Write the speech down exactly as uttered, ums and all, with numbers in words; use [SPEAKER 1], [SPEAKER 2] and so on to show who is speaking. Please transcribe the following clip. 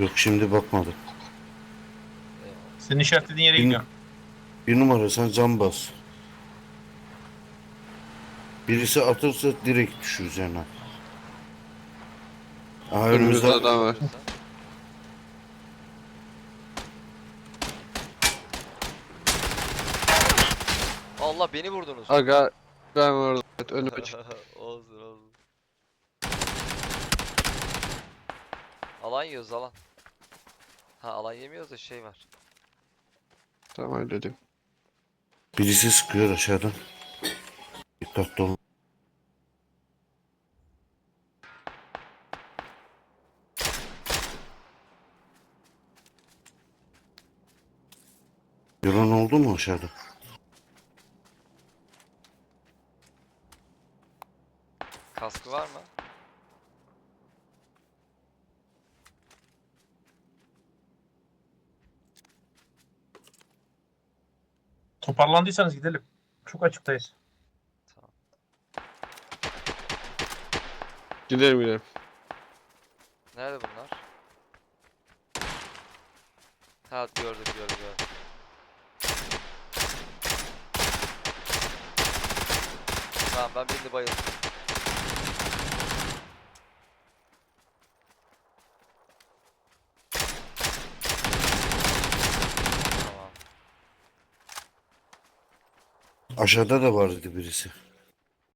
[SPEAKER 1] Yok, şimdi bakmadım.
[SPEAKER 2] Eyvallah.
[SPEAKER 3] Senin işaretlediğin yere
[SPEAKER 1] Bir,
[SPEAKER 3] gidiyorum.
[SPEAKER 1] bir numara sen cam bas. Birisi atırsa direkt düşür üzerine. Aha,
[SPEAKER 4] Önümüzde
[SPEAKER 1] önümüzde.
[SPEAKER 4] adam var.
[SPEAKER 2] Diyorsan. Allah, beni vurdunuz.
[SPEAKER 4] Aga ben orada. Evet, önüme çık.
[SPEAKER 2] Olsun olsun. Alan yiyoruz, alan. Ha, alan yemiyoruz da şey var.
[SPEAKER 4] Tamam halledim.
[SPEAKER 1] Birisi sıkıyor aşağıdan. Dikkatli olun. Yoran oldu mu aşağıda?
[SPEAKER 2] Kaskı var mı?
[SPEAKER 3] Toparlandıysanız gidelim. Çok açıktayız.
[SPEAKER 2] Tamam.
[SPEAKER 4] Gidelim gidelim.
[SPEAKER 2] Nerede bunlar? Ha, gördüm gördüm gördüm. Tamam, ben birini bayıldım. Tamam.
[SPEAKER 1] Aşağıda da vardı birisi.